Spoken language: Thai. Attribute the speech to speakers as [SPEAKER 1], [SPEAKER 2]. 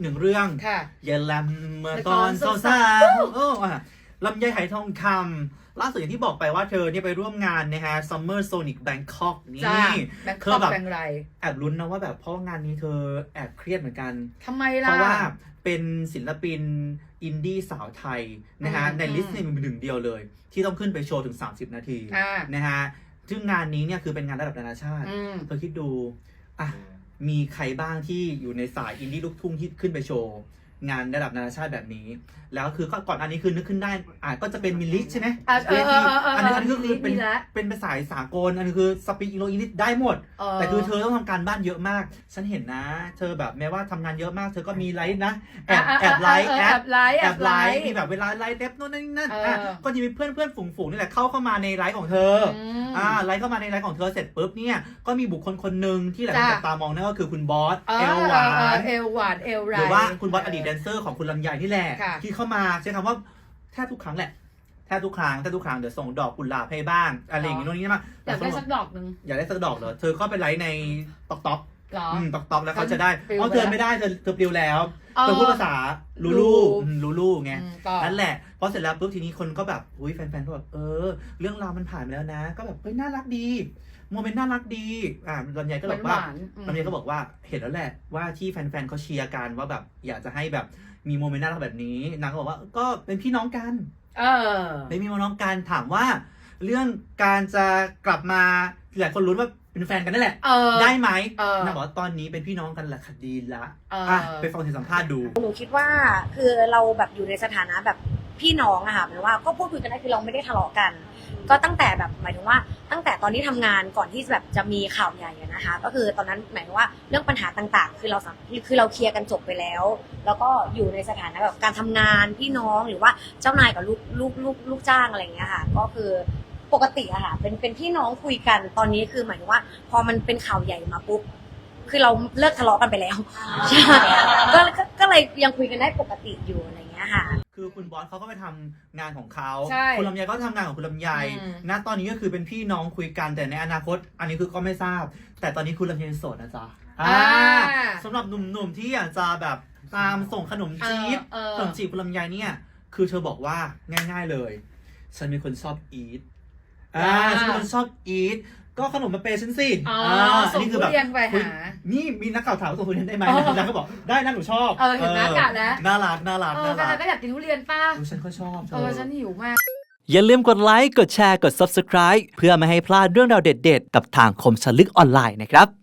[SPEAKER 1] หนึ่งเรื่องอย่าแลมเมื่อตอนสาวๆลำไยไหทองคำล่าสุดอย่างที่บอกไปว่าเธอเนี่ยไปร่วมงานนะฮะ Summer Sonic Bangkok นี่เธอแบบแอบลุ้นนะว่าแบบเพราะงานนี้เธอแอบเครียดเหมือนกัน
[SPEAKER 2] ทำไมล่ะ
[SPEAKER 1] เพราะว่าเป็นศิลปินอินดี้สาวไทยนะฮะในลิสต์นี่มีหนึ่งเดียวเลยที่ต้องขึ้นไปโชว์ถึง30 นาทีนะฮะซึ่งงานนี้เนี่ยคือเป็นงานระดับนานาชาติเธอคิดดูอ่ะมีใครบ้างที่อยู่ในสายอินดี้ลูกทุ่งที่ขึ้นไปโชว์งานระดับนานาชาติแบบนี้แล้วคือก่อนอันนี้คือนึกขึ้นได้ก็จะเป็นมิลลิใช่ไหมอันนี้ก็คือเป็นภาษาสากลอันนี้คือสปีกอิงลิชได้หมดแต่คือเธอต้องทำการบ้านเยอะมากฉันเห็นนะเธอแบบแม้ว่าทำงานเยอะมากเธอก็มีไลฟ์นะแอบไลฟ์มีแบบเวลาไลฟ์เด็บโน่นนั่นก็จะมีเพื่อนฝูงนี่แหละเข้ามาในไลฟ์ของเธอไลฟ์เข้ามาในไลฟ์ของเธอเสร็จปุ๊บเนี่ยก็มีบุคคลคนหนึ่งที่หลายคนจับตามองนั่นก็คือคุณบอสเอลหวานหรือว่าคุณบอสอดีตแดนเซอร์ของคุณลำไยนี่แหละที่เข้ามาใช้คำว่าแทบทุกครั้งแหละแทบทุกครั้งเดี๋ยวส่งดอกกุหลาบให้บ้างอะไรอย่างงี้โน่นนี่มา
[SPEAKER 2] อยากได้สักดอกนึง
[SPEAKER 1] อยากได้สักดอกเหรอเธอเข้าไปไลฟ์ในต๊อกแล้วเขาจะได้เพราะเธอไม่ได้เธอปลิวแล้วเธอพูดภาษาลูลูไงนั่นแหละพอเสร็จแล้วปุ๊บทีนี้คนก็แบบอุ้ยแฟนๆก็แบบเรื่องราวมันผ่านไปแล้วนะก็แบบเฮ้ยน่ารักดีโมเมนต์น่ารักดีลำไยก็บอกว่าเห็นแล้วแหละว่าที่แฟนๆเขาเชียร์กันว่าแบบอยากจะให้แบบมีโมเมนต์น่ารักแบบนี้นางก็บอกว่าก็เป็นพี่น้องกันไม่มีพี่น้องกันถามว่าเรื่องการจะกลับมาหลายคนรู้ว่าเป็นแฟนกันนั่นแหละได้ไหมนางบอกว่าตอนนี้เป็นพี่น้องกันแหละคดีละไปฟังเสียงสัมภาษณ์ดู
[SPEAKER 3] หนูคิดว่าคือเราแบบอยู่ในสถานะแบบพี่น้องอะค่ะหมายว่าก็พูดคุยกันได้คือเราไม่ได้ทะเลาะกันก็ตั้งแต่แบบหมายถึงว่าตั้งแต่ตอนที่ทำงานก่อนที่แบบจะมีข่าวใหญ่นะคะก็คือตอนนั้นหมายถึงว่าเรื่องปัญหาต่างๆคือเราเคลียร์กันจบไปแล้วแล้วก็อยู่ในสถานะแบบการทำงานพี่น้องหรือว่าเจ้านายกับลูกจ้างอะไรอย่างเงี้ยค่ะก็คือปกติอะค่ะเป็นพี่น้องคุยกันตอนนี้คือหมายถึงว่าพอมันเป็นข่าวใหญ่มาปุ๊บคือเราเลิกทะเลาะกันไปแล้วใช่ก็เลยยังคุยกันได้ปกติอยู่อะไรอย่างเงี้ยค่ะ
[SPEAKER 1] คือคุณบอสเขาก็ไปทำงานของเขาคุณลำไยก็ทำงานของคุณลำไยณตอนนี้ก็คือเป็นพี่น้องคุยกันแต่ในอนาคตอันนี้คือก็ไม่ทราบแต่ตอนนี้คุณลำไยโสดนะจ๊ะสำหรับหนุ่มๆที่อยากจะแบบตามส่งขนมจีบคุณลำไยเนี่ยคือเธอบอกว่าง่ายๆเลยฉันเป็นคนชอบอีทฉันเป็นคนชอบอีทก็ขนมมาเปย์ฉันสิ
[SPEAKER 2] ส่งทุเรียนไปหา
[SPEAKER 1] นี่มีนักข่าวถามว่าส่งทุเรียนได้ไหมนางก็บอกได้นะหนูชอบ
[SPEAKER 2] เห็นหน้ากาดแล้ว
[SPEAKER 1] น่ารัก
[SPEAKER 2] ก็อยากกินทุเรียนป้า
[SPEAKER 1] ฉันก็ชอบ
[SPEAKER 2] ฉันหิวมาก
[SPEAKER 4] อย่าลืมกดไลค์กดแชร์กด Subscribe เพื่อไม่ให้พลาดเรื่องราวเด็ดๆกับทางคมชลึกออนไลน์นะครับ